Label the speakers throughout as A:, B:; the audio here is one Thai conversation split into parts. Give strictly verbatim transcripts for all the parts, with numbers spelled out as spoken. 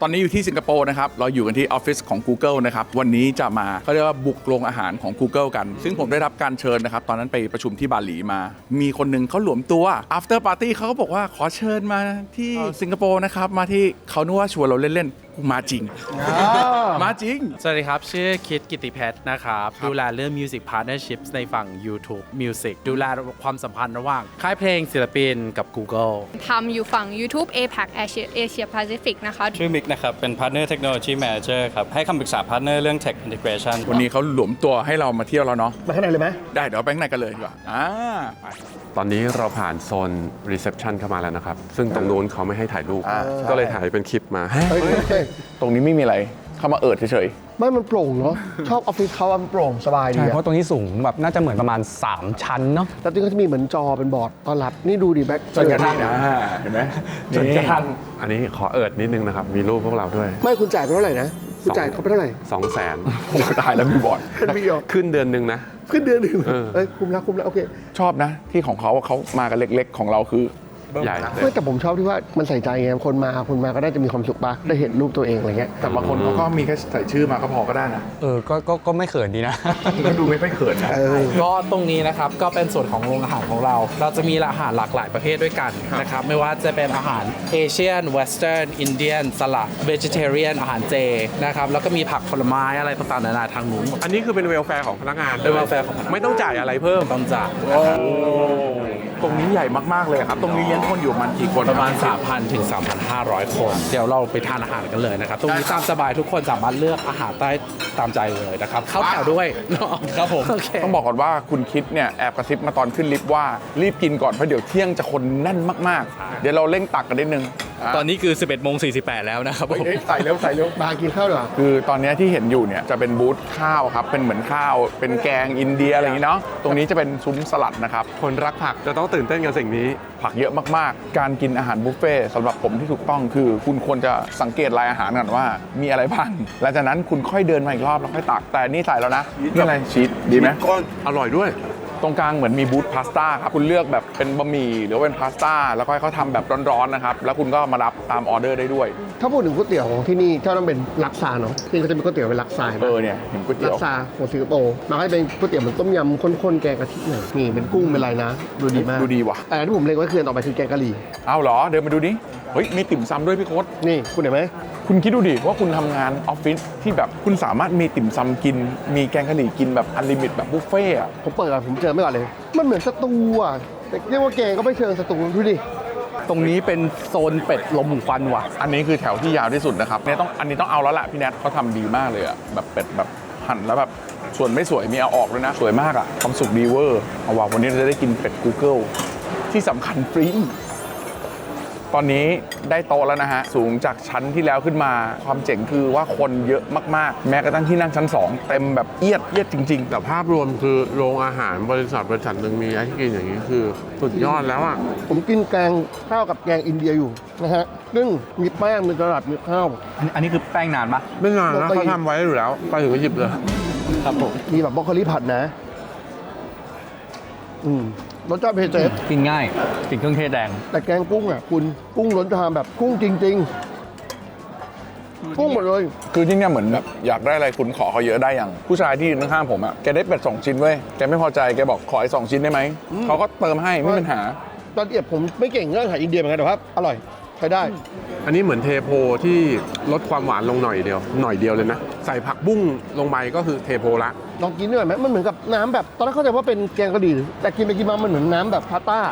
A: ตอนนี้อยู่ที่สิงคโปร์นะครับเราอยู่กันที่ออฟฟิศของ Google นะครับวันนี้จะมาเขาเรียกว่าบุกโรงอาหารของ Google กันซึ่งผมได้รับการเชิญนะครับตอนนั้นไปประชุมที่บาหลีมามีคนหนึ่งเขาหลวมตัว after party เขาก็บอกว่าขอเชิญมาที่สิงคโปร์นะครับมาที่เขานึกว่าชวนเราเล่นๆกูมาจริง มาจริง
B: สวัสดีครับชื่อคิดกิติเพชรนะครับดูแลเรื่อง Music Partnerships ในฝั่ง YouTube Music ดูแลความสัมพันธ์ระหว่างค่ายเพลงศิลปินกับ Google
C: ทำอยู่ฝั่ง YouTube เอ พี เอ ซี Asia Asia Pacific นะคะ
D: ชื่อมิกนะครับเป็น Partner Technology Manager ครับให้คำปรึกษา Partner เรื่อง Tech Integration
A: วันนี้เขาหลวมตัวให้เรามาเที่ยวแล้วเนาะ
E: มาข้างในเลยไหม
A: ได้เดี๋ยวไปข้างในกันเลยดีกว่าอ่าไป
F: ตอนนี้เราผ่านโซน reception เข้ามาแล้วนะครับ ซึ่งตรงนู้นเขาไม่ให้ถ่ายรูป ก็เลยถ่ายเป็นคลิปมา
E: เฮ้ยเฮ้ย
A: ตรงนี้ไม่มีอะไรเข้ามาเอิดเฉย
E: ไม่มันโปร่งเนาะชอบออฟฟิศเขาอะมันโปร่งสบายดี
G: ใช่
E: อะ
G: เพราะตรงนี้สูงแบบน่าจะเหมือนประมาณ สาม ชั้นเนาะ
E: แล้วที่เขาจะมีเหมือนจอเป็นบอร์ดต้อนรับนี่ดูดิแบ็ค
A: ๆจนกระทั่งนะเห็นไหมจนกระทั่ง
F: อันนี้ขอเอิดนิดนึงนะครับ มีรูปพวกเราด้วย
E: ไม่คุณจ่ายไปเท่าไหร่นะคุณจ่ายเขาไปเท่าไหร่
F: สองแสน
A: โอ้ตายแล้วมีบอร์ด
E: เป็นวิดีโอ
F: ขึ้นเดือนหนึ่งนะ
E: ขึ้นเดือนหนึ่ง
F: เออ
E: เอ้ยคุ้มแล้วคุ้มแล้วโอเค
A: ชอบนะที่ของเขาเขามากันเล็กๆของเราคือ
F: ใหญ่เลย
E: ไม่แต่ผมชอบที่ว่ามันใส่ใจไงคนมาคนมาก็ได้จะมีความสุขปะได้เห็นรูปตัวเองอะไรเงี้ย
A: แต่บางคนเขาก็มีแค่ใส่ชื่อมาก็พอก็ได้นะ
G: เออก็ก็ก็ไม่เขินดีนะ
A: ก็ดูไม่ค่อยเขินนะ
E: เออ
B: ก็ตรงนี้นะครับก็เป็นส่วนของโรงอาหารของเรา เราจะมีอาหารหลากหลายประเภทด้วยกันนะครับไม่ว่าจะเป็นอาหารเอเชียนเวสเทิร์นอินเดียนสลัดเวจิเทเรียนอาหารเจนะครับแล้วก็มีผักผลไม้อะไรต่างๆนานาทางนู้น
F: อันนี้คือเป็นเวลแฟร์ของพนักงาน
B: เป็น welfare ของพนักงาน
F: ไม่ต้องจ่ายอะไรเพิ่ม
B: ต้องจ่าย
A: ตรงนี้ใหญ่มากๆเลยครับตรงนี้เลี้ยงคนอยู่ประมันกี่คน
B: ประมาณ สามพัน ถึง สามพันห้าร้อย คน เดี๋ยวเราไปทานอาหารกันเลยนะครับ ตรงนี้ตามสบายทุกคนสามารถเลือกอาหารได้ตามใจเลยนะครับ เข้าแถวด้วยเนาะครับผมโอเค
A: ต้องบอกก่อนว่าคุณคิดเนี่ยแอบกระซิบมาตอนขึ้นลิฟต์ว่ารีบกินก่อนเพราะเดี๋ยวเที่ยงจะคนแน่นมากๆ เดี๋ยวเราเร่งตักกันนิดนึง
D: ตอนนี้คือ สิบเอ็ดโมงสี่สิบแปด แล้วนะครับผม
A: เฮ้ยใส่เร็วใส่เร็ว
E: มากินข้าวดีกว่า
A: คือตอนนี้ที่เห็นอยู่เนี่ยจะเป็นบูธข้าวครับเป็นเหมือนข้าวเป็นแกงอินเดียอะไรอย่างนี้เนาะตรงนี้จะเป็นซุ้มสลัดนะครับ
F: คนรักผักจะต้องตื่นเต้นกับสิ่งนี้
A: ผักเยอะมากๆ การกินอาหารบุฟเฟ่ต์สำหรับผมที่ถูกต้องคือ คุณควรจะสังเกตรายอาหารก่อนว่ามีอะไรบ้างหลังจากนั้นคุณค่อยเดินมาอีกรอบแล้วค่อยตักแต่นี่ใส่แล้วนะนี่อะไรชีสดีไหม
F: ก็อร่อยด้วย
A: ตรงกลางเหมือนมีบูธพาสต้าครับคุณเลือกแบบเป็นบะหมี่หรือว่าเป็นพาสต้าแล้วก็ให้เขาทำแบบร้อนๆนะครับแล้วคุณก็มารับตามออเดอร์ได้ด้วย
E: ถ้าพูดถึงก๋วยเตี๋ยวของที่นี่เจ้าต้องเป็นลักซาเนาะที่เขาจะมีก๋วยเตี๋ยวเป็นลักซา
A: เออเนี่ยเห็นก๋วยเตี๋
E: ลั
A: ยว
E: กซาของสิงคโปร์มาให้เป็นก๋วยเตี๋ยวเหมือนต้มยำข้นๆแกงกะทิหน่อยนี่เป็นกุ้งเป็นอะไรนะดูดีมาก
A: ดูดีว่ะ
E: แต่ที่ผมเล็งไว้คืออันต่อไปคือแกงกะหรี่
A: เอาเหรอเดินมาดูดิเฮ้ยมีติ่มซำด้วยพี่โค้ด
E: นี่คุณเห็นไหม
A: คุณคิดดูดิว่าคุณทำงานออฟฟิศที่แบบคุณสามารถมีติ่มซำกิน มีแกงกะหรี่กินแบบอันลิมิตแบบบุฟเฟ่ต์อะ
E: ผมเปิดก่อนผมเจอไม่ก่อนเลย มันเหมือนสตูอ่ะแต่เรียกว่าแกงก็ไม่เชิงสตูดูดิ
G: ตรงนี้เป็นโซนเป็ดลมควันว่ะ
A: อันนี้คือแถวที่ยาวที่สุดนะครับเนี่ยต้องอันนี้ต้องเอาแล้วล่ะพี่แนทเขาทำดีมากเลยอะแบบเป็ดแบบหั่นแล้วแบบส่วนไม่สวยมีเอาออกด้วยนะสวยมากอะความสุขดีเวอร์เอาว่าวันนี้เราจะได้กินเป็ด Google ที่สำคัญฟรีตอนนี้ได้โต๊ะแล้วนะฮะสูงจากชั้นที่แล้วขึ้นมาความเจ๋งคือว่าคนเยอะมากๆ แม้กระทั่งที่นั่งชั้นสองเต็มแบบเอียดเอียดจริงๆ
F: แต่ภาพรวมคือโรงอาหารบริษัทบริษัทหนึ่งมีให้กินอย่างนี้คือสุดยอดแล้วอ่ะ
E: ผมกินแกงข้าวกับแกงอินเดียอยู่นะฮะซึ่งมีแป้งมีกระดาษมีข้าว
G: อันอันนี้คือแป้งนานปะ
F: ไม่นานนะ
E: ปกติ
F: เขาทำไว้อยู่แล้ว ไปถึงก็หยิบเลย
E: ครับผมมีแบบบรอกโคลีผัดนะ อืมรสชาติเผ็ดเจ็ด
G: กินง่ายกินเครื่องเทศแดง
E: แต่แกงกุ้งอ่ะคุณกุ้งล้นชามแบบกุ้งจริง ๆ กุ้งหมดเลย
A: คือที่เนี่ยเหมือนแบบอยากได้อะไรคุณขอเขาเยอะได้อย่างผู้ชายที่ยืนข้างๆผมอะแกได้เป็ดสองชิ้นเว้ยแกไม่พอใจแกบอกขออีกสองชิ้นได้ไหมเขาก็เติมให้ไม่มีปัญหา
E: ตอนเอียบผมไม่เก่งเรื่องอาหารอินเดียเหมือนกันแต่ว่าอร่อยใช้ได้
F: อันนี้เหมือนเทโพที่ลดความหวานลงหน่อยเดียว หน่อยเดียวเลยนะ ใส่ผักบุ้งลงไปก็คือเทโพละ
E: ลองกินด้วยไหมมันเหมือนกับน้ำแบบตอนแรกเข้าใจว่าเป็นแกงกะหรี่แต่กินไปกินมามันเหมือนน้ำแบบพาสต้า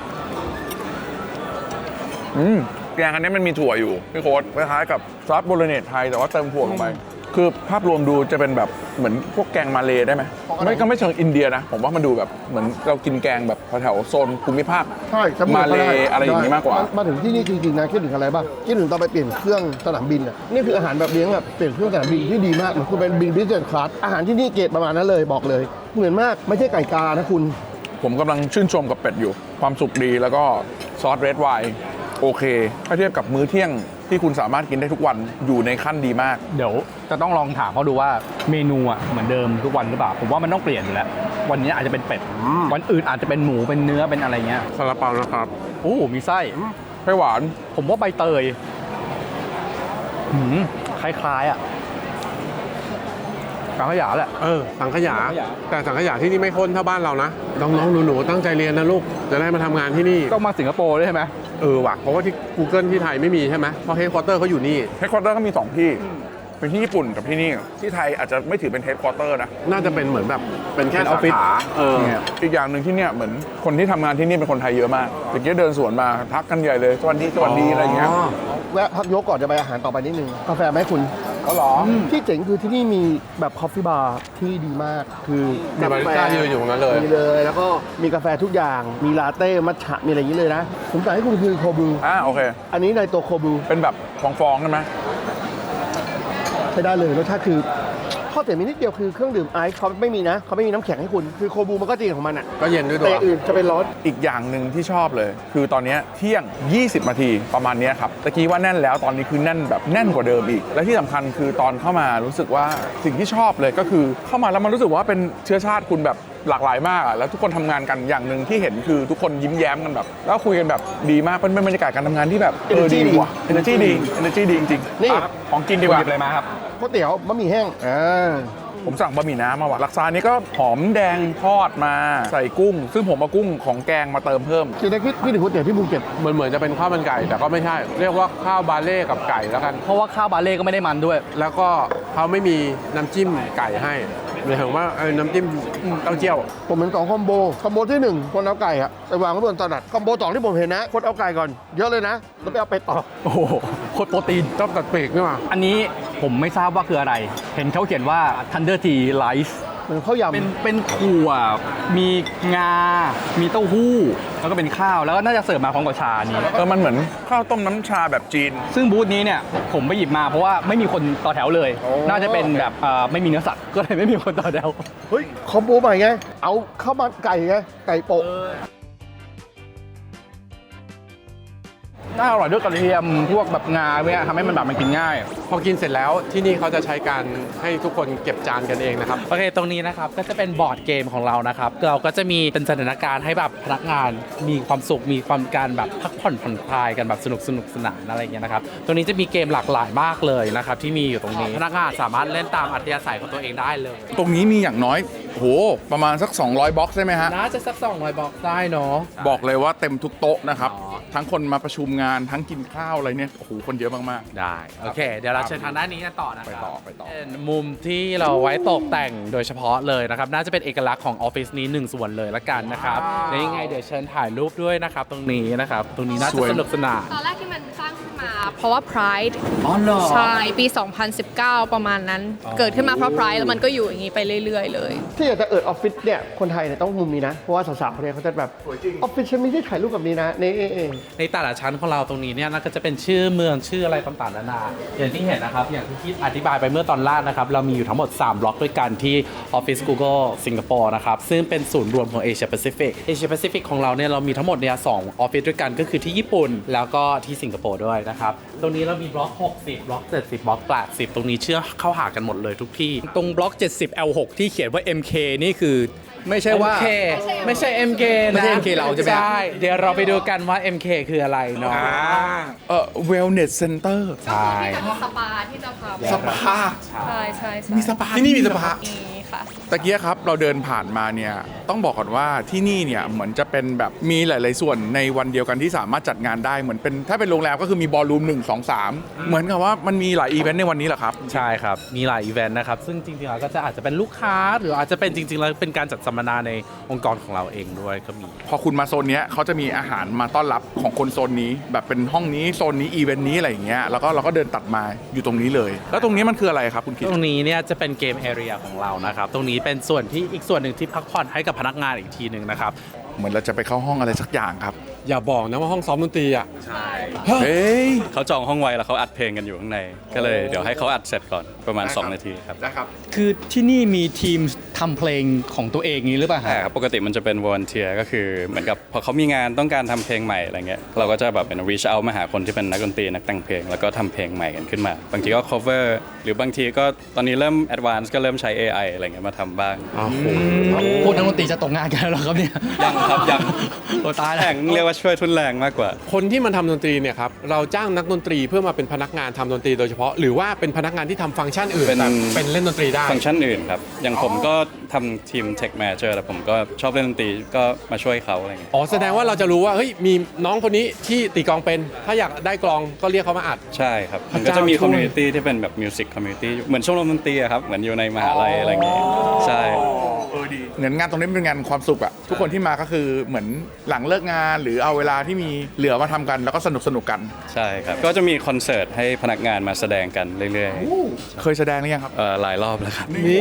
A: อืมแกงอันนี้มันมีถั่วอยู่พี่โค้ดคล้ายๆกับซอสโบโลเนสไทยแต่ว่าเติมถั่วลงไป คือภาพรวมดูจะเป็นแบบเหมือนพวกแกงมาเลได้ไหมไม่ก็ไม่เชิงอินเดียนะ ผมว่ามันดูแบบเหมือนเรากินแกงแบบแถวๆโซนภูมิภาค
E: ใช่สำหรับ
A: มาเลอะไรอย่างนี้มากกว่า
E: มาถึงที่นี่จริงๆนะคิดถึงอะไรบ้างคิดถึงตอนไปเปลี่ยนเครื่องสนามบินอ่ะนี่คืออาหารแบบเลี้ยงแบบเปลี่ยนเครื่องสนามบินที่ดีมากเหมือนคุณเป็นบินบิสเนสคลาสอาหารที่นี่เกรดประมาณนั้นเลยบอกเลย เหมือนมากไม่ใช่ไก่กานะคุณ
A: ผมกำลังชื่นชมกับเป็ดอยู่ ความสุกดีแล้วก็ซอสเรดไวน์โอเคถ้าเทียบกับมื้อเที่ยงที่คุณสามารถกินได้ทุกวันอยู่ในขั้นดีมาก
G: เดี๋ยวจะต้องลองถามเขาดูว่าเมนูอ่ะเหมือนเดิมทุกวันหรือเปล่า ผมว่ามันต้องเปลี่ยนอยู่แล้ว วันนี้อาจจะเป็นเป็ด วันอื่นอาจจะเป็นหมูเป็นเนื้อเป็นอะไรเงี้ย
F: ซาลาเปานะครับ
G: โอ้มีไส้
A: ไส้หวาน
G: ผมว่าใบเตยหืมคล้ายๆอ่ะสังขยาแหละ
F: เออสังขยา แต่สังขยาที่นี่ไม่ข้นเท่าบ้านเรานะน้องๆหนูๆตั้งใจเรียนนะลูกจะได้มาทำงานที่นี่
G: ต้องมาสิงคโปร์ด้วยใช่ไหม
F: เออว่ะเพราะว่าที่ Google ที่ไทยไม่มีใช่ไหมเพราะเฮดควอเตอร์เขาอยู่นี่
A: เฮดควอเตอร์ก็มีสองที่เป็นที่ญี่ปุ่นกับที่นี่ที่ไทยอาจจะไม่ถือเป็นเฮดควอเตอร์นะ
F: น่าจะเป็นเหมือนแบบเป็นแค่
A: เป็นอ
F: สา
A: อฟฟิศ
F: ขาเออ
A: เนี่ยอีกอย่างหนึ่งที่เนี่ยเหมือนคนที่ทำงานที่นี่เป็นคนไทยเยอะมากเมื่อกี้เดินสวนมาทักกันใหญ่เลยสวัสดีสวัสดีอะไรอย่างเงี้ย
E: แวะพักยกก่อนจะไปอาหารต่อไปนิดนึงกาแฟไหมคุณ
A: ก็หรอ
E: ที่เจ๋งคือที่นี่มีแบบคอฟฟี่บาร์ที่ดีมากคือ
F: มีบาริสต้ายืนอยู่ตรงนั้นเลย
E: มีเลย แล้วก็มีกาแฟทุกอย่างมีลาเต้มัทฉะมีอะไรอย่างนี้เลยนะผมสั่งให้คุณคือโคบู
A: อ่าโอเค
E: อันนี้ในตัวโคบู
A: เป็นแบบฟองๆใช่ไหม
E: ใช้ได้เลยรสชาติคือข้อเสียมีนิดเดียวคือเครื่องดื่มไอซ์เขาไม่มีนะเขาไม่มีน้ำแข็งให้คุณคือโคบูมันก็จริงของมันอ่ะ
F: ก็เย็นด้วยตั
E: แต่
F: ว
E: อื่นจะเป็นร้อน
A: อีกอย่างหนึ่งที่ชอบเลย คือตอนเนี้ยเที่ยง ยี่สิบ นาทีประมาณเนี้ยครับตะกี้ว่าแน่นแล้วตอนนี้คือแน่นแบบแน่นกว่าเดิมอีก และที่สำคัญคือตอนเข้ามารู้สึกว่าสิ่งที่ชอบเลยก็คือเข้ามาแล้วมันรู้สึกว่าเป็นเชื้อชาติคุณแบบหลากหลายมากอะแล้วทุกคนทำงานกันอย่างหนึ่งที่เห็นคือทุกคนยิ้มแย้มกันแบบแล้วคุยกันแบบดีมากเป็นบรรยากาศการทำงานที่แบบเออ
E: Energy
A: ดี
E: ดี
A: ว่ะ energy ดี energy ดีจริงๆ
E: นี่
A: อ่ะของกินดีกว่า
G: หยิบอะไรมาครับ
E: ก๋วยเตี๋ยวบะหมี่แห้งอ่า
A: ผมสั่งบะหมี่น้ำมาว่ะลักษานี้ก็หอมแดงทอดมาใส่กุ้ง ซึ่งผมเอากุ้งของแกงมาเติมเพิ่ม
E: คือในคิดคิดถึงก๋วยเตี๋ยวที่ภูเก็ต
F: เหมือนเหมือนจะเป็นข้าวมันไก่แต่ก็ไม่ใช่ เรียกว่าข้าวบาเล่กับไก่แล้วกัน
G: เพราะว่าข้าวบาเล่ก็ไม่ได้มันด้วย
F: แล้วก็เขาไม่มีน้ำจิ้มไก่ให้หมายถึงว่าเออน้ำจิ้มเต้าเจี้ยว
E: ผมเห็นสองคอมโบคอมโบที่หนึ่งคนเอาไก่อะไปวางไว้บนตลาดคอมโบสองที่ผมเห็นนะคนเอาไก่ก่อนเยอะเลยนะแล้วไปเอาไปต่อ
G: โอ้โหโคตรโปรตีน
F: ต้องตัดปีกนี่มา
G: อันนี้ผมไม่ทราบว่าคืออะไร เห็นเขาเขียนว่า Thunder Tea Rice
E: เหมือนข้าวยำ
G: เป็นเป็นถั่ว มีงา มีเต้าหู้ แล้วก็เป็นข้าว แล้วก็น่าจะเสิร์ฟมาพร้อมกับชานี้
A: เออมันเหมือนข้าวต้มน้ำชาแบบจีน
G: ซึ่งบูธนี้เนี่ยผมไปหยิบมาเพราะว่าไม่มีคนต่อแถวเลย
E: โอ้
G: น่าจะเป็นแบบเอ่อไม่มีเนื้อสัตว์ ก็เลยไม่มีคนต่อแถว
E: เฮ้ยคอมโบใหม่ไงเอาข้าวมันไก่ไงไก่โปะ
G: น่าอร่อยด้วยกระเทียมพวกแบบงาเนี่ยทำให้มันแบบมันกินง่าย
F: พอกินเสร็จแล้วที่นี่เขาจะใช้การให้ทุกคนเก็บจานกันเองนะครับ
B: โอเค ตรงนี้นะครับก็จะเป็นบอร์ดเกมของเรานะครับ เราก็จะมีเป็นสถานการณ์ให้แบบพนักงานมีความสุข มีความการแบบพักผ่อนผ่อนคลายกันแบบสนุกสนุกสนานอะไรอย่างเงี้ยนะครับ ตรงนี้จะมีเกมหลากหลายมากเลยนะครับที่มีอยู่ตรงนี้ พนักงานสามารถเล่นตามอัธยาศัยของตัวเองได้เลย
A: ตรงนี้มีอย่างน้อยโหประมาณสัก สองร้อยบ็อกซ์ได้ไหมฮะ
B: น่าจะสักสองร้อยบอกได้เนาะ
A: บอกเลยว่าเต็มทุกโต๊ะนะครับ
B: อ๋อ
A: ทั้งคนมาประชุมงานทั้งกินข้าวอะไรเนี่ยโอ้โหคนเยอะมาก
B: ได้ โอเค เดี๋ยวเราเชิญทางด้านนี้กันต่อนะค
A: ไป
B: รับ
A: ต่อไปต่อ
B: เป็นมุมที่เราไว้ตกแต่งโดยเฉพาะเลยนะครับ น่าจะเป็นเอกลักษณ์ของออฟฟิศนี้หนึ่งส่วนเลยละกันนะครับและยังไงเดี๋ยวเชิญถ่ายรูปด้วยนะครับ ตรงนี้นะครับ ตรงนี้น่า
A: ส
B: จะ
A: วย
B: สนุกสนาน
C: ตอนแรกที่มันสร้างขึ้นมาเพราะว่า Pride
B: อ๋อเหรอ
C: ใช่ ปี สองพันสิบเก้า ประมาณนั้น เกิดขึ้นมาเพราะ Pride แล้วมันก็อยู่อย่างนี้ไปเรื่อย ๆ เลย
E: ที่อยากจะเอิดออฟฟิศเนี่ยคนไทยเนี่ยต้องมุมนี้นะเพราะว่าสาวๆเนี่ยเขาจะแบบออฟฟิศฉันไม่ได้ถ่ายรูปแบบนี้นะนี่เอง
B: ในแต่ละชั้นของเราตรงนี้เนี่ยน่าก็จะเป็นชื่อเมืองชื่ออะไรต่างๆนานาอย่างที่เห็นนะครับ อย่างที่คิดอธิบายไปเมื่อตอนแรกนะครับ เรามีอยู่ทั้งหมด สาม บล็อกด้วยกันที่ Office Google สิงคโปร์นะครับ ซึ่งเป็นศูนย์รวมของ Asia Pacific Asia Pacific ของเราเนี่ยเรามีทั้งหมดเนี่ยสองออฟฟิศด้วยกันก็คือที่ญี่ปุ่นแล้วก็ที่สิงคโปร์ด้วยนะครับ ตรงนี้เรามีบล็อก หกสิบ บล็อก เจ็ดสิบ บล็อก แปดสิบ ตรงนี้เชื่อเข้าหากันหมดเลยทุกที่
G: ตรงบล็อก เจ็ดสิบ แอล หก ที่เขียนว่า เอ็ม เค นี่คือไม่ใช่ว่า
B: เอ็ม เค ไม่ใช่ เอ็ม เค นะ
G: ไม่ใช่ เอ็ม เค เราใช่ไหม
B: ใช่เดี๋ยวเราไปดูกันว่า เอ็ม เค คืออะไรเนาะ
A: เออ wellness center
B: ใช่
C: มีสปาที่จะพาไป
A: สปา
C: ใช่ใช่ใช่
A: มีสปาที่นี่มีสปา
C: มีค่ะ
A: ตะเกียครับเราเดินผ่านมาเนี่ยต้องบอกก่อนว่าที่นี่เนี่ยเหมือนจะเป็นแบบมีหลาย ๆ ส่วนในวันเดียวกันที่สามารถจัดงานได้เหมือนเป็นถ้าเป็นโรงแรมก็คือมีบอลลูมหนึ่ง สอง สามเหมือนกับว่ามันมีหลายอีเวนต์ในวันนี้เหรอครับ
B: ใช่ครับ มีหลายอีเวนต์นะครับ ซึ่งจริงๆแล้วก็จะอาจจะเป็นลูกค้า หรืออาจจะเป็นจริงๆแล้วเป็นการจัดสัมมนาในองค์กรของเราเองด้วยก็มี
A: พอคุณมาโซนเนี้ยเขาจะมีอาหารมาต้อนรับของคนโซนนี้ แบบเป็นห้องนี้โซนนี้อีเวนต์นี้อะไรอย่างเงี้ยแล้วก็เราก็เดินตัดมาอยู่ตรงนี้เลย แล้วตรงนี้มันคืออะไรครับคุณคิด
B: ตรงนี้เนี่ยจะเป็นเกมแอเรียของเรานะครับ ตรงนี้เป็นส่วนที่อีกส่วนหนึ่งที่พักผ่อนให้กับพนักงานอีกทีหนึ่งนะครับ
A: เหมือนเราจะไปเข้าห้องอะไรสักอย่างครับ
F: อย่าบอกนะว่าห้องซ้อมดนตรีอ่ะ
A: เฮ้ย
D: เขาจองห้องไว้แล้วเขาอัดเพลงกันอยู่ข้างใน ก็เลยเดี๋ยวให้เขาอัดเสร็จก่อนประมาณ
A: ได้ครับ
D: สอง นาทีครับ
A: นะครับ
G: คือที่นี่มีทีมทำเพลงของตัวเองนี้หรือเปล่า
D: ใช่
G: ฮะ
D: ครับปกติมันจะเป็นวอร์เนเทียก็คือเหมือนกับพอเขามีงานต้องการทำเพลงใหม่อะไรเงี้ยเราก็จะแบบเป็น reach out มาหาคนที่เป็นนักดนตรีนักแต่งเพลงแล้วก็ทำเพลงใหม่กันขึ้นมา บางทีก็ cover หรือบางทีก็ตอนนี้เริ่ม advance ก็เริ่มใช้ เอ ไอ อะไรเงี้ยมาทำบ้าง
G: พวกนักดนตรีจะตกงานกันแล้วเหรอครับเนี่ย
D: ยังครับยัง
G: โอ้ตายแล้ว
D: แข่งเรียกว่าว่าช่วยทุนแรงมากกว่า
F: คนที่มันทำดนตรีเนี่ยครับเราจ้างนักดนตรีเพื่อมาเป็นพนักงานทำดนตรีโดยเฉพาะหรือว่าเป็นพนักงานที่ทำฟังก์ชันอื่น
D: เป็น
F: แต่เป็นเล่นดนตรีได้
D: ฟังก์ชันอื่นครับ อย่างผมก็ทำทีม Tech Manager แต่ผมก็ชอบเล่นดนตรีก็มาช่วยเขาอะไรเงี้ย
F: อ๋อแสดงว่าเราจะรู้ว่าเฮ้ยมีน้องคนนี้ที่ตีกลองเป็น ถ้าอยากได้กลองก็เรียกเขามาอัด
D: ใช่ครับ
F: พระ
D: มัน
F: เจ้า
D: ก็จะมี
F: ช่วย
D: คอมมูนิตี้ที่เป็นแบบมิวสิกคอมมูนิตี้เหมือนชมรมดนตรีอะครับ เหมือนอยู่ในมหาลัยอะไรเงี้ยใช่
A: เออดีเหมือนงานตรงนี้เป็นงานความสุขอะทุกคนที่มาก็คือเหมือนหลังเลิกงานหรือเอาเวลาที่มีเหลือมาทำกันแล้วก็สนุกสนุกกัน
D: ใช่ครับ ก็จะมีคอนเสิร์ตให้พนักงานมาแสดงกันเรื่อย
A: เคยแสดงหรือยังครับ
D: ๆเอ่อหลายรอบแล้วครับ
A: นี่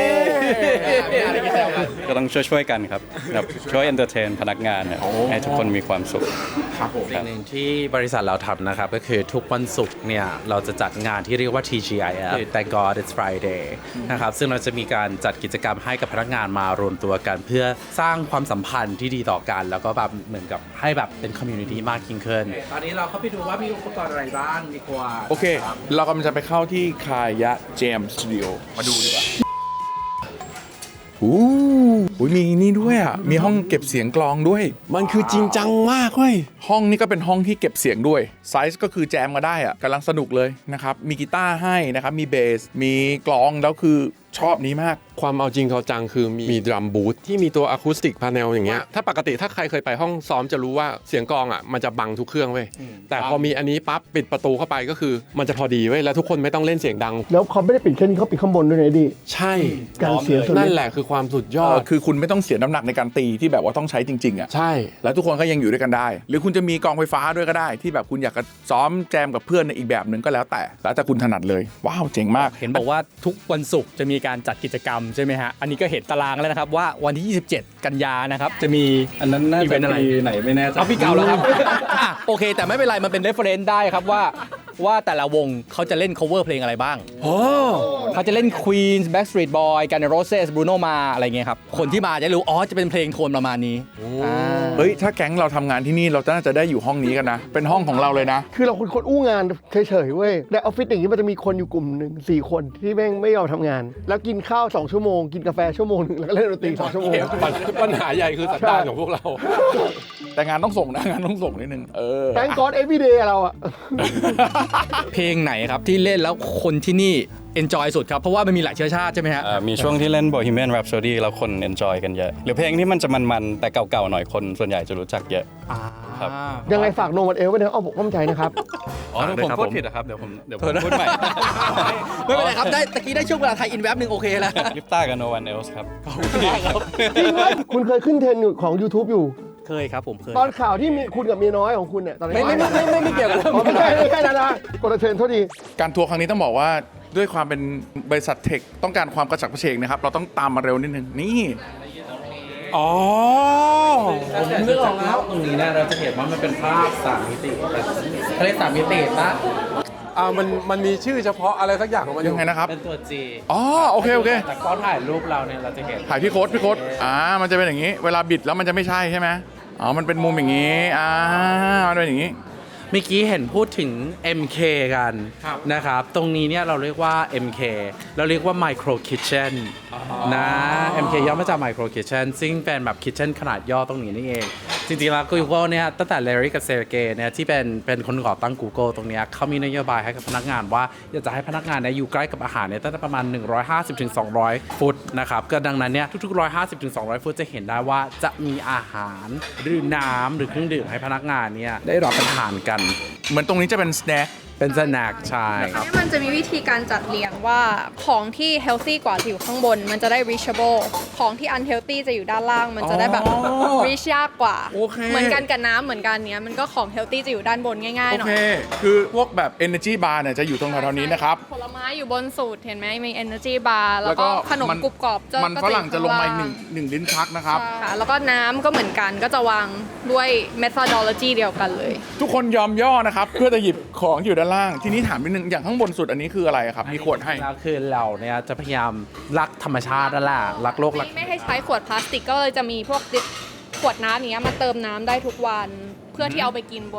D: ก็ต้องช่วยๆกันครับแบบช่วยเอนเตอร์เทนพนักงานเนี่ยให้ทุกคนมีความสุข
A: ครับผม
B: สิ่งหนึ่งที่บริษัทเราทำนะครับก็คือทุกวันศุกร์เนี่ยเราจะจัดงานที่เรียกว่า ที จี ไอ เอฟ Thank God It's Friday นะครับซึ่งเราจะมีการจัดกิจกรรมให้กับพนักงานมารวมตัวกัน เพื่อสร้างความสัมพันธ์ที่ดีต่อกัน แล้วก็แบบเหมือนกับให้แบบเป็นคอมมูนิตี้มากยิ่งขึ้นตอนนี้เราเข้าไปดูว่ามีอุปกรณ์อะไรบ้างดีกว่า
A: โอเค เรากำลังจะไปเข้าที่คายะเจมส์สตูดิโอมาดูดีกว่าอู้หูมีนี่ด้วยอ่ะ มีห้องเก็บเสียงกลองด้วย
F: มันคือจริงจังมากเว้ย
A: ห้องนี้ก็เป็นห้องที่เก็บเสียงด้วย ไซส์ก็คือแจมมาได้อ่ะกำลังสนุกเลยนะครับ มีกีตาร์ให้นะครับ มีเบส มีกลอง แล้วคือชอบนี้มาก
F: ความเอาจริงเขาจังคือมีมีดรัมบูธที่มีตัวอะคูสติกพาเนลอย่างเงี้ยถ้าปกติถ้าใครเคยไปห้องซ้อมจะรู้ว่าเสียงกลองอ่ะมันจะบังทุกเครื่องเว้ยแต่พอมีอันนี้ปั๊บปิดประตูเข้าไปก็คือมันจะพอดีเว้ยแล้วทุกคนไม่ต้องเล่นเสียงดัง
E: แล้วเขาไม่ได้ปิดแค่นี้เขาปิดข้างบนด้วยนะดิ
F: ใช่
E: การเสียงส่วน
F: นั่น
E: นี้
F: แหละคือความสุดยอ
A: เอ
F: ด
A: อคือคุณไม่ต้องเสียน้ำหนักในการตีที่แบบว่าต้องใช้จริงๆอ่ะ
F: ใช่
A: แล้วทุกคนก็ยังอยู่ด้วยกันได้ หรือคุณจะมีกองไฟฟ้าด้วยก็ได้ ที่แบบคุณอยากจะซ้อมแจมกับเพื่อนในอีกแบบหนึ่งก็แล้วแต่ แล้วแต่คุณถนัดเลย ว้าว เจ๋งมาก
G: เห็นบอกว่าทุกวันศุกร์จะมีการจัดกิจกรรมใช่ไหมฮะ อันนี้ก็เห็นตารางแล้วนะครับว่าวันที่ ยี่สิบเจ็ด กันยานะครับ จะมี
D: อันนั้นน่า
G: อีเว
D: จะ
G: นต์อะไร
D: ปีไหนไม่แน่ใจ
G: เอาพี่เก่าแล้วครับ อ่ะโอเค แต่ไม่เป็นไร มันเป็น reference ได้ครับว่าว่าแต่ละวงเขาจะเล่น cover เพลงอะไรบ้างเขาจะเล่น Queen Backstreet Boy Guns N' Roses Bruno Mars อะไรเงี้ยครับ คนที่มาจะรู้ อ๋อ จะเป็นเพลงโทนประมาณนี้อ่า
A: เฮ้ย ถ้าแก๊งเราทำงานที่นี่เราน่าจะได้อยู่ห้องนี้กันนะ เป็นห้องของเราเลยนะ
E: คือเราคนคนอู้งานเฉยๆเว้ยแต่ออฟฟิศอย่างนี้มันจะมีคนอยู่กลุ่มหนึ่งสี่คนที่แม่งไม่ยอมทำงาน แล้วกินข้าวสองชั่วโมงกินกาแฟชั่วโมงหนึงแล้วก็เล่นดนตรีสองชั่วโมง
F: ปัญหาใหญ่คือสันดานของพวกเรา
A: แต่งานต้องส่งนะ งานต้องส่งนิดนึง เออ
E: แตงกอดเอฟวีเดย์เราอะ
G: เพลงไหนครับที่เล่นแล้วคนที่นี่ enjoy สุดครับ เพราะว่ามันมีหลายเชื้อชาติใช่ไหมฮะ
D: เอ่อมีช่วงที่เล่น Bohemian Rhapsody แล้วคน enjoy กันเยอะ หรือเพลงที่มันจะมันๆ แต่เก่าๆ หน่อยคนส่วนใหญ่จะรู้จักเยอะ ครับ
E: ยังไงฝากโนวันเอลไว้ในอ้อมอกอ้อมใจนะครับ
D: อ๋อถ้าผม
A: ครับ
D: พูด
A: ผม
D: ผิดนะครับ เดี๋ยวผมเดี๋ยวผมพูดใหม่
G: ไม่เป็นไรครับ ได้ตะกี้ได้ช่วงเวลาไทยอินแวบหนึ่งโอเคแล้ว
D: ลิปต้ากับ No One Else ครับ
E: จริงไหมคุณเคยขึ้นเทรนด์อยู่ของ YouTube อยู่
G: เคยครับผมเคย
E: ตอนข่าวที่มีคุณกับเมียน้อยของคุณเนี่ยตอนนี้
G: ไม่ไม่ไม่ไม่ไม่เกี่ยวกับ
E: อ๋อไม่ใช่ไม่ใช่นะนะกดเทรนด์เท่าดี
A: การทัวร์ครั้งนี้ต้องบอกว่าด้วยความเป็นบริษัทเทคต้องการความกระฉับกระเฉงนะครับ เราต้องตามมาเร็วนิดนึง นี่
F: อ๋อ
B: ผมนึกออกแล้วตรงนี้เนี่ยเราจะเห็นว่ามันเป็นภาพสามมิติแบบเขาเรียกสามมิติปะ
F: อ่ามันมันมีชื่อเฉพาะอะไรสักอย่างของมันอ
A: ยั
F: ยู่
A: งไงนะครับ
B: เป็นตัว G
A: อ๋อ โอเค โอเค
B: แต่ก็ถ่ายรูปเราเนี่ยเราจะเห็น
A: ถ่ายพี่โค้ดพี่โค้ดอ่า มันจะเป็นอย่างนี้ เวลาบิดแล้วมันจะไม่ใช่ใช่ไหมอ๋อ มันเป็นมุมอย่างนี้ อ่า มันเป็นอย่างนี้
B: เมื่อกี้เห็นพูดถึง เอ็ม เค กันนะครับ ตรงนี้เนี่ยเราเรียกว่า เอ็ม เค เราเรียกว่า Micro Kitchen นะ เอ็ม เค ย่อมาจาก Micro Kitchen ซึ่งเป็นแบบ Kitchen ขนาดย่อตรงนี้นี่เอง จริงๆแล้ว Google เนี่ยตั้งแต่ Larry กับ Sergey เนี่ยที่เป็นเป็นคนก่อตั้ง Google ตรงเนี้ยเขามีนโยบายให้กับพนักงานว่าอยากจะให้พนักงานเนี่ยอยู่ใกล้กับอาหารเนี่ยตั้งแต่ประมาณ หนึ่งร้อยห้าสิบถึงสองร้อย ฟุตนะครับก็ดังนั้นเนี่ยทุกๆ หนึ่งร้อยห้าสิบถึงสองร้อย ฟุตจะเห็นได้ว่าจะมีอาหารหรือน้ำหรือเครื่องดื่มให้พนักงานเนี่ยได้รับประทานกัน
A: เหมือนตรงนี้จะเป็นสแน็ค
B: เป็นสแน็คใช่
C: เนี่ยมันจะมีวิธีการจัดเรียงว่าของที่ healthy กว่าจะอยู่ข้างบน มันจะได้ reachable ของที่ unhealthy จะอยู่ด้านล่าง มันจะได้แบบ reach ยากกว่า
A: โอเค
C: เหมือนกันกับน้ำเหมือนกันเนี้ยมันก็ของ healthy จะอยู่ด้านบนง่ายๆหน่อ
A: โอเค
C: ย
A: คือพวกแบบ energy bar เนี่ยจะอยู่ตรงแถวๆนี้นะครับ
C: ผลไม้อยู่บนสุดเห็นไหมมี energy bar แล้วก็ขนมกรุบกรอบจะ
A: มัน
C: ก็
A: ฝรั่งจะลงมาอีกห
C: อยู่
A: นึ่ง
C: ข้
A: หนึ่งลิ้นชักนะครับ
C: างล่างค่ะแล้วก็น้ำก็เหมือนกันก็จะวางด้วย methodology เดียวกันเลย
A: ทุกคนยอมย่อนะครับ เพื่อจะหยิบของที่อยู่ด้านล่าง ทีนี้ถามนิดนึง อย่างข้างบนสุดอันนี้คืออะไรครับ มีขวดให้
B: แล้วคือเราเนี่ยจะพยายามรักธรรมชาตินั่นแหละรักโลกรัก
C: ไม่ให้ใช้ขวดพลาสติกก็เลยจะมีพวกดิขวดน้ำอย่างเงี้ยมาเติมน้ำได้ทุกวัน เพื่อที่เอาไปกินบน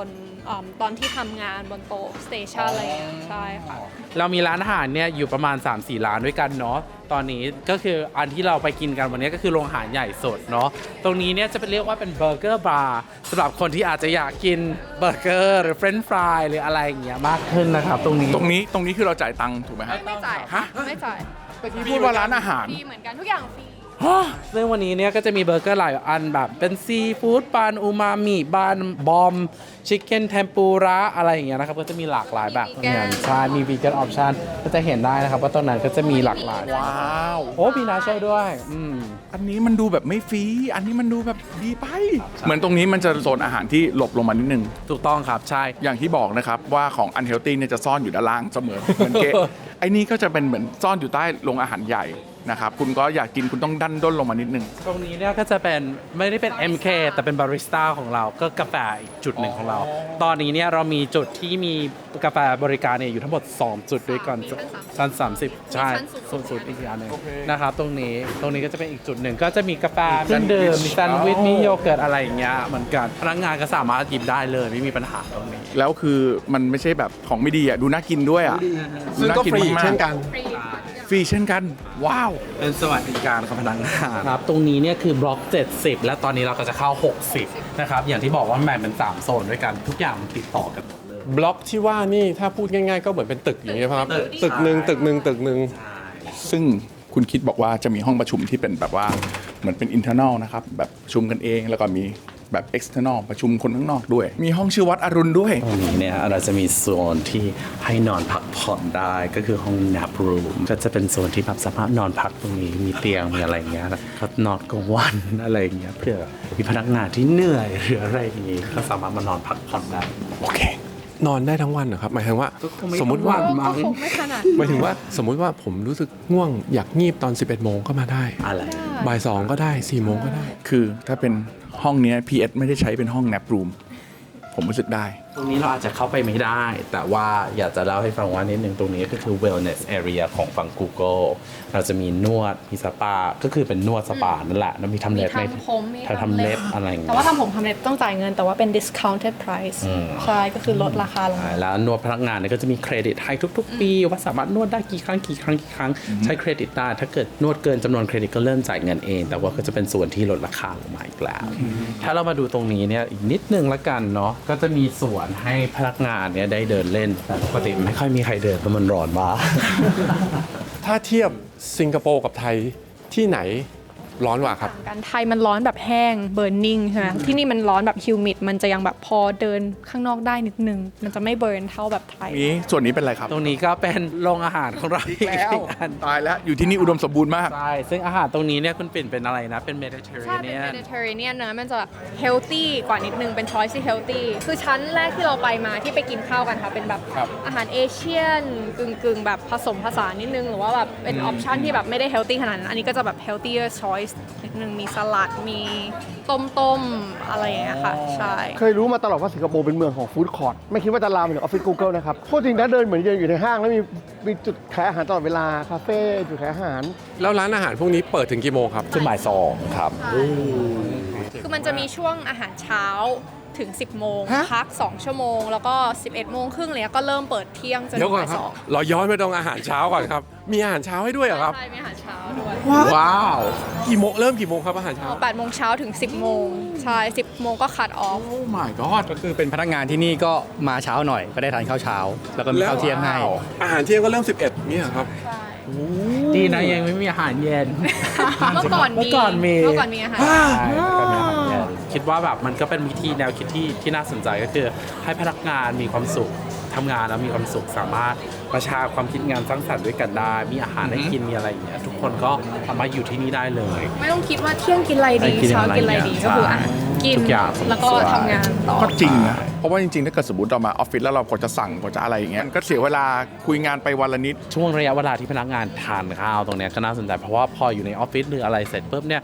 C: อืมตอนที่ทำงานบนโต๊ะสเตชันอะไรอย่างเงี้ยใช่ค่ะ
B: เรามีร้านอาหารเนี่ยอยู่ประมาณ สามสี่ ร้านด้วยกันเนาะตอนนี้ก็คืออันที่เราไปกินกันวันนี้ก็คือโรงอาหารใหญ่สดเนาะตรงนี้เนี่ยจะเป็นเรียกว่าเป็นเบอร์เกอร์บาร์สำหรับคนที่อาจจะอยากกินเบอร์เกอร์หรือเฟรนช์ฟรายหรืออะไรอย่างเงี้ยมากขึ้นนะครับตรงนี้
A: ตรงนี้ตรงนี้คือเราจ่ายตังค์ถูกไหมฮะ
C: ไม่จ่าย
A: ฮะ
C: ไม่จ่าย
A: พูดว่าร้านอาหาร
C: ฟรีเหมือนกันทุกอย่างฟรี
B: ซึ่งวันนี้เนี่ยก็จะมีเบอร์เกอร์หลายอันแบบเป็นซีฟู้ดบานอูมามิบานบอมชิคเก้นเทมปุระอะไรอย่างเงี้ยนะครับก็จะมีหลากหลายแบบเหมือนกันใช่มีวีแกนออปชั่นก็จะเห็นได้นะครับว่าตรงนั้นก็จะมีหลากหลาย
A: ว้าว
B: โอ้มีนาโชด้วยอืม
A: อันนี้มันดูแบบไม่ฟรีอันนี้มันดูแบบดีไป เหมือนตรงนี้มันจะโซนอาหารที่หลบลงมานิดนึง
B: ถูกต้องครับใช่
A: อย่างที่บอกนะครับว่าของ unhealthy เนี่ยจะซ่อนอยู่ด้านล่างเสมอ เหมือนเกะ ไอ้นี่ก็จะเป็นเหมือนซ่อนอยู่ใต้โรงอาหารใหญ่นะครับคุณก็อยากกินคุณต้องดันด้นลงมานิดนึง
B: ตรงนี้เนี่ยก็จะเป็นไม่ได้เป็น เอ็ม เค แต่เป็นบาริสต้าของเราก็กาแฟอีกจุดหนึ่งของเรา ตอนนี้เนี่ยเรามีจุดที่มีกาแฟบริการเนี่ยอยู่ทั้งหมด สอง จุดด้วยกัน
C: มีชั้น
B: ชั้นสามสิบใช่
C: มีชั้นสูงสุ
B: สู
C: ด
B: งสุดอีกอย่างหนึงนะครับตรงนี้ตรงนี้ก็จะเป็นอีกจุดหนึ่งก็จะมีกาแฟเครื่องดื่มมีแซนด์วิชมีโยเกิร์ตอะไรอย่างเงี้ยเหมือนกันพนักงานก็สามารถหยิบได้เลยไม่มีปัญหาตรงนี้
A: แล้วคือมันไม่ใช่แบบของไม่ดีอ่ะดูน่ากินด้วยอ่ะ
F: ซึ่งก็ฟรี
A: า
F: เช่นกัน
C: ฟรี
A: ฟรีเช่นกัน ว้าว
B: เป็นสวัสดิการของพนักงานครับตรงนี้เนี่ยคือบล็อก เจ็ดสิบ และตอนนี้เราก็จะเข้า หกสิบ นะครับ อย่างที่บอกว่าแบ่งเป็น สาม โซนด้วยกัน ทุกอย่างมันติดต่อกันหมดเลย
F: บล็อกที่ว่านี่ถ้าพูดง่ายๆ ก็เหมือนเป็นตึกอย่างเงี้ยครับ
B: ตึก
F: ตึกหนึ่งตึกหนึ่งตึกหนึ่ง
A: ซึ่งคุณคิดบอกว่าจะมีห้องประชุมที่เป็นแบบว่าเหมือนเป็น internal นะครับแบบประชุมกันเองแล้วก็มีแบบ external ประชุมคนข้างนอกด้วย มีห้องชื่อวัดอรุณด้วย
B: ตรงนี้เนี่ยเราจะมีโซนที่ให้นอนพักผ่อนได้ก็คือห้อง nap room ก็จะเป็นโซนที่แบบสามารถนอนพักตรงนี้มีเตียงมีอะไรอย่างเงี้ยก็นอนกลางวันอะไรอย่างเงี้ยเพื่อมีพนักงานที่เหนื่อยหรืออะไรอย่างงี้ก็สามารถมานอนพักผ่อนได้
A: โอเค
F: นอนได้ทั้งวันเหรอครับ หมายถึงว่า สมมติว่า
C: ก็คงไม่ขนาด
F: หมายถึงว่าสมมุติว่าผมรู้สึกง่วงอยากงีบตอน สิบเอ็ดโมงก็มาได้
B: อะไร
F: บ่ายสองก็ได้สี่โมงก็ได้
A: คือถ้าเป็นห้องเนี้ย พี เอส ไม่ได้ใช้เป็นห้อง nap room ผมรู้สึกได้
B: ตรงนี้เราอาจจะเข้าไปไม่ได้ แต่ว่าอยากจะเล่าให้ฟังว่านิดนึงตรงนี้ก็คือ wellness area ของฝั่ง Google เราจะมีนวดมีสปาก็คือเป็นนวดสปานั่นแหละแล้วมีทำ
C: มี
B: เล็บไหม
C: ทำผมมี
B: ทำเล็บอะไรอย่างเงี้
C: แต่
B: ย
C: ว่าทำผมทำเล็บต้องจ่ายเงินแต่ว่าเป็น discounted price ใช่ก็คือลดราคาลงมา
B: แล้วนวดพนักงานเนี่ยก็จะมีเครดิตให้ทุกๆ ปีว่าสามารถนวดได้กี่ครั้งกี่ครั้งกี่ครั้งใช้เครดิตได้ถ้าเกิดนวดเกินจำนวนเครดิตก็เริ่มจ่ายเงินเอง แต่ว่าก็จะเป็นส่วนที่ลดราคาลงมาอีกแล้วถ้าเรามาดูตรงนี้เนี่ยอีกนิดนึงละกันเนาะก็จะมีส่วนให้พนักงานเนี่ยได้เดินเล่นแต่ปกติไม่ค่อยมีใครเดินเพราะมันร้อนมาก
F: ถ้าเทียบสิงคโปร์กับไทยที่ไหนร้อนกว่าครับ
C: ต่างกันไทยมันร้อนแบบแห้ง burning ใช่ไหมที่นี่มันร้อนแบบ humid มันจะยังแบบพอเดินข้างนอกได้นิดนึง มันจะไม่เบิร์นเท่าแบบไทย
A: นี้ส่วนนี้เป็นอะไรครับ
B: ตรงนี้ก็เป็นโรงอาหารของเราอีก
A: แล้ว
B: อัน
A: ตายแล้วอยู่ที่นี่อุดมสมบูรณ์มาก
B: ใช่ซึ่งอาหารตรงนี้เนี่ยคุณปิ่นเป็นอะไรนะเป็น
C: ใช่เป็น
B: Mediterranean
C: Mediterranean เนอะมันจะแบบ healthy กว่านิดนึง เป็น choice ที่ healthy คือชั้นแรกที่เราไปมาที่ไปกินข้าวกันค่ะ เป็นแบบ
A: ครับ
C: อาหารเอเชียนกึ่งกึ่งๆ แบบผสมผสานนิดนึง หรือว่าแบบเป็น option ที่แบบไม่ได้ healthy ขนาดนั้น อันนี้ก็จะแบบ healthier choice นิดนึง มีสลัด มีต้มๆ อะไรอย่างเงี้ยค่ะ ใช่
E: เคยรู้มาตลอดว่าสิงคโปร์เป็นเมืองของฟู้ดคอร์ทไม่คิดว่าจะลามไปถึงออฟฟิศ Google นะครับโคตรจริงนะเดินเหมือนเดินอยู่ในห้างแล้วมีมีจุดขายอาหารตลอดเวลาคาเฟ่จุดขายอาหาร
F: แล้วร้านอาหารพวกนี้เปิดถึงกี่โมงครับ
B: จนบ่ายสองครับ
C: คือมันจะมีช่วงอาหารเช้าถึง สิบ โมง พัก สอง ชั่วโมง แล้วก็ สิบเอ็ด โมงครึ่งเลยก็เริ่มเปิดเที่ยงจน
F: เดี๋
C: ถึ
F: ยว
C: ง
F: ก่อน
C: บ่าย
F: ครั
C: ส
F: บ
C: อง
F: เราย้อนไปตรงอาหารเช้าก่อนครับ มีอาหารเช้าให้ด้วยเหรอครับ
C: ใช่ มีอาหารเช้าด้วย
A: ว้าว
F: กี่โมงเริ่มกี่โมงครับอาหารเช้า
C: แปดโมงเช้าถึง สิบ โมง ใช่ สิบ โมงก็คัดออฟ
A: โอ้ my god
G: ก็คือเป็นพนักงานที่นี่ก็มาเช้าหน่อยก็ได้ทานข้าวเช้า แล้วก็มีข้าวเที่ยงให้
F: อาหารเที่ยงก็เริ่มสิบเอ็ดนี่เหรอครับ
B: ดีนะยังไม่มีอาหารเย็น
C: เมื่อก่อนมี
B: เมื่อก่อนมี
C: เมื่อก่อนมีอาหาร
B: ใช่ก็มีอาหารเย็นคิดว่าแบบมันก็เป็นวิธีแนวคิดที่ที่น่าสนใจก็คือให้พนักงานมีความสุขทำงานแล้วมีความสุขสามารถประชาความคิดงานสร้างสรรค์ด้วยกันได้ มีอาหารให้กินมีอะไรอย่างเงี้ยทุกคนก็สามารถอยู่ที่นี่ได้เลย
C: ไม่ต้องคิดว่าเที่ยงกินอะไรดี
B: กิน
C: เช้า
B: อะไร
C: กินอะไรดี
B: เนี่ย
C: ก็คืออ่ะ
B: ใช่
C: กิน
B: ทุกอย่าง
C: แล้วก็ทำงานต่อ
A: ก็จริงนะ เพราะว่าจริงๆ ถ้าเกิดสมมติเรามาออฟฟิศแล้วเรากดจะสั่งกดจะอะไรอย่างเงี้ยมันก็เสียเวลาคุยงานไปวันละนิด
B: ช่วงระยะเวลาที่พนักงานทานข้าวตรงเนี้ยก็น่าสนใจเพราะว่าพออยู่ในออฟฟิศหรืออะไรเสร็จปุ๊บเนี่ย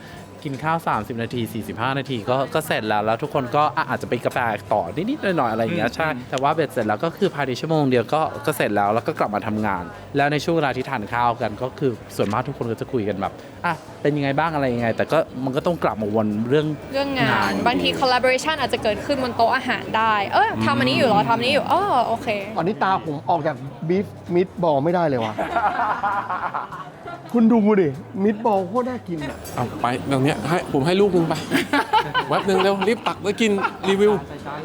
B: กินข้าว สามสิบ นาที สี่สิบห้า นาทีก็ก็เสร็จแล้ว แล้วทุกคนก็อ่ะอาจจะไปกาแฟต่อนิดๆหน่อยๆอะไรอย่างเงี้ยใช่แต่ว่าเบ็ดเสร็จแล้วก็คือภายในชั่วโมงเดียวก็ก็เสร็จแล้วแล้วก็กลับมาทำงาน แล้วในช่วงเวลาที่ทานข้าวกันก็คือส่วนมากทุกคนก็จะคุยกันแบบอ่ะเป็นยังไงบ้างอะไรยังไง แต่ก็มันก็ต้องกลับมาวนเรื่อง
C: เรื่องงานบางที collaboration อาจจะเกิดขึ้นบนโต๊ะอาหารได้ เออทำอันนี้อยู่เหรอทำอันนี้อยู่อ๋อโอเค
E: ตอนนี้ตาผมออกจากบีฟมิดบอลไม่ได้เลยว่ะ คุณดูดิมิดบอลโคตรน่ากินอ่ะ
F: เอาไปตรงเนี้ยให้ผมให้ลูกนึงไป แวบนึงเร็วรีบตักแล้วกินรีวิว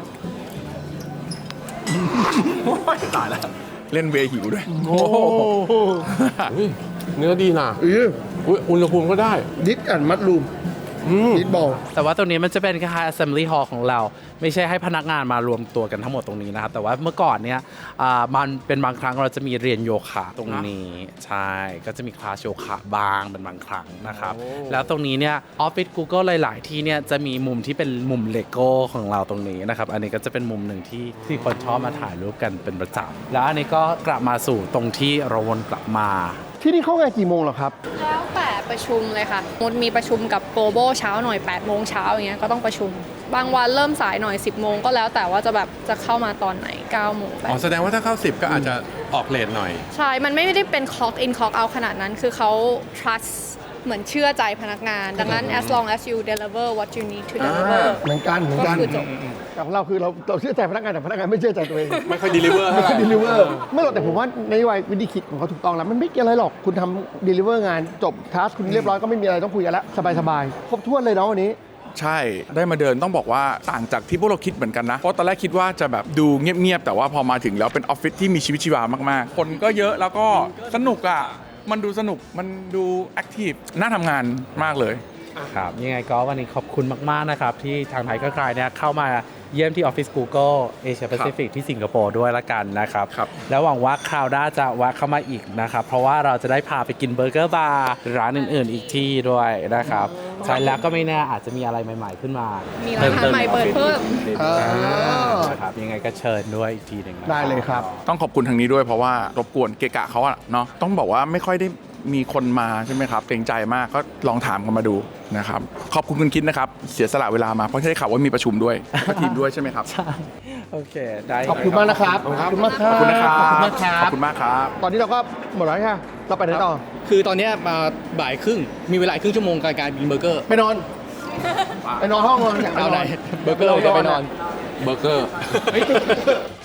A: ตายแล้ว เล่นเวหิวด้วย
E: โอ้โห
F: อุ๊ยเนื้อดีนะ
E: เออ
F: อุ๊ยอุณหภูมิก็ได้
E: ดิสแอนมัดรูม
F: อืม
E: มิดบอล
B: แต่ว่าตรงนี้มันจะเป็นคล้ายๆ assembly hall ของเรา ไม่ใช่ให้พนักงานมารวมตัวกันทั้งหมดตรงนี้นะครับ แต่ว่าเมื่อก่อนเนี่ยอ่ามันเป็นบางครั้งเราจะมีเรียนโยคะตรงนี้ ใช่ ก็จะมีคลาสโยคะบางเป็นบางครั้งนะครับ แล้วตรงนี้เนี่ยออฟฟิศ Google หลาย ๆ ที่เนี่ยจะมีมุมที่เป็นมุมเลโก้ของเราตรงนี้นะครับ อันนี้ก็จะเป็นมุมหนึ่งที่ที่คนชอบมาถ่ายรูปกันเป็นประจำแล้วอันนี้ก็กลับมาสู่ตรงที่เราวนกลับมา
E: ที่นี่เข้างานกี่โมงเหรอครับ
C: แล้วแต่ประชุมเลยค่ะมดมีประชุมกับ global เช้าหน่อยแปดโมงเช้าอย่างเงี้ยก็ต้องประชุม บางวันเริ่มสายหน่อย สิบโมงก็แล้วแต่ว่าจะแบบจะเข้ามาตอนไหนเก้าโมงแปด
F: อ๋อแสดงว่าถ้าเข้าสิบก็อาจจะออกเลทหน่อย
C: ใช่ มันไม่ได้เป็น clock in clock out ขนาดนั้น คือเขา trust เหมือนเชื่อใจพนักงาน ดังนั้น as long as you deliver what you need to deliver
E: เหมือนกันเหมือนกัน
C: ก็คือจบ
E: แต่ของเราคือเราเราเชื่อใจพนักงานแต่พนักงานไม่เชื่อใจตัวเอง
F: ไม่ค่อย deliver เท่าไหร่
E: เดลิเวอร์ไม่หรอกแต่ผมว่านโยบายวิธีคิดของเขาถูกต้องแล้ว มันไม่เกี่ยวอะไรหรอกคุณทำเดลิเวอร์งานจบทัสคุณเรียบร้อยก็ไม่มีอะไรต้องคุยกันแล้ว สบายๆ ครบถ้วนเลยเนาะวันนี้
A: ใช่ได้มาเดินต้องบอกว่าต่างจากที่พวกเราคิดเหมือนกันนะ เพราะตอนแรกคิดว่าจะแบบดูเงียบๆแต่ว่าพอมาถึงแล้วเป็นออฟฟิศที่มีชีวิตชีวามากๆ คนก็เยอะแล้วก็สนุกอ่ะมันดูสนุกมันดูแอคทีฟน่าทำงานมากเลย
B: ครับยังไงก็วันนี้ขอบคุณมาก ๆ นะครับ ที่ทางไทยก็กลายเนี่ยเข้ามาเยี่ยมที่ออฟฟิศ Google Asia Pacific ที่สิงคโปร์ด้วยละกันนะครับ
A: ครับ
B: แล้วหวังว่าคราวหน้าจะแวะเข้ามาอีกนะครับ เพราะว่าเราจะได้พาไปกินเบอร์เกอร์บาร์ร้านอื่น ๆ อีกที่ด้วยนะครับใช่แล้วก็ไม่แน่อาจจะมีอะไรใหม่ ๆ ขึ้นมา
C: มีร้านอาหารใหม่เปิดเพิ่ม
E: อ่า
B: นะครับยังไงก็เชิญด้วยอีกทีหนึ่งนะ
E: ได้เลยครับ
A: ต้องขอบคุณทางนี้ด้วยเพราะว่ารบกวนเกะกะเขาอะเนาะต้องบอกว่าไม่ค่อยได้มีคนมาใช่ไหมครับเกรงใจมากก็ลองถามกันมาดูนะครับขอบคุณคุณคิดนะครับเสียสละเวลามาเพราะได้ข่าวว่ามีประชุมด้วยกับทีมด้วยใช่ไหมครับ
B: ใช่โอเคได้
E: ขอบคุณมากนะครับ ขอบคุณมากครั
A: ข
E: บ
A: อบคุณนะครับ
E: ขอบคุณมากครั
A: ขอบบ คุณมากครับ
E: ตอนนี้เราก็หมดแล้วค่ะเราไปไหนต่อ
G: คือตอนเนี้ยมาบ่ายครึ่ง มีเวลาอีกครึ่งชั่วโมงการการกินเบอร์เกอร์
E: ไปนอน ไปนอนห้องนอนอยากไป
G: เอา
E: น
G: ไหน
E: อน
G: เบอร์เกอร์เราจะไปนอน
F: เบอร์เกอร์